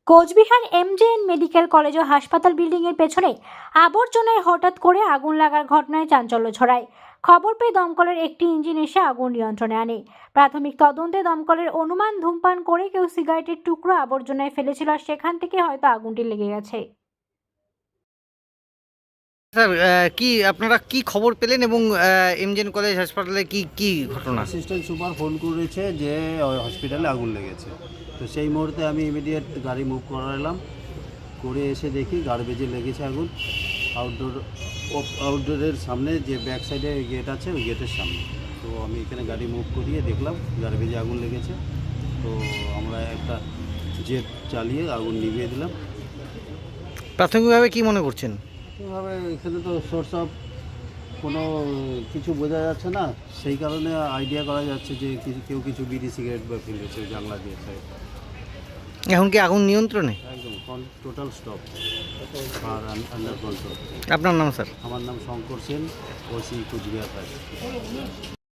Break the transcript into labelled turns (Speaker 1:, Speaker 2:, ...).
Speaker 1: Cooch Behar MJN medical college ও হাসপাতাল বিল্ডিংয়ের পেছনে আবর্জনায় হঠাৎ করে আগুন লাগার ঘটনায় চাঞ্চল্য ছড়ায়। খবর পেয়ে দমকলের একটি ইঞ্জিন এসে আগুন নিয়ন্ত্রণে আনে। প্রাথমিক তদন্তে দমকলের অনুমান ধূমপান করে কেউ সিগারেটের টুকরো আবর্জনায় ফেলেছিল আর সেখান থেকে হয়তো আগুনটি লেগে গেছে।
Speaker 2: স্যার কি আপনারা কি খবর পেলেন এবং এমজেএন কলেজ হাসপাতালে কি ঘটনা?
Speaker 3: অ্যাসিস্ট্যান্ট সুপার ফোন করেছে যে ওই হসপিটালে আগুন লেগেছে। তো সেই মুহূর্তে আমি ইমিডিয়েট গাড়ি মুভ করালাম, করে এসে দেখি গার্বেজে লেগেছে আগুন। আউটডোরের সামনে যে ব্যাক সাইডে গেট আছে ওই গেটের সামনে। তো আমি এখানে গাড়ি মুভ করিয়ে দেখলাম গার্বেজে আগুন লেগেছে। তো আমরা একটা জেট চালিয়ে আগুন নিভিয়ে দিলাম।
Speaker 2: প্রাথমিকভাবে কি মনে করছেন?
Speaker 3: এভাবে এখানে তো সোর্স অফ কোনো কিছু বোঝা যাচ্ছে না, সেই কারণে আইডিয়া করা যাচ্ছে যে কেউ কিছু বিড়ি সিগারেট বা ফেলেছে জানলা দিয়ে সাইড।
Speaker 2: এখন কি আগুন নিয়ন্ত্রণে?
Speaker 3: একদম টোটাল স্টপ আর আন্ডার কন্ট্রোল।
Speaker 2: আপনার নাম স্যার?
Speaker 3: আমার নাম শঙ্কর সেন, ওসি কুচবিহার।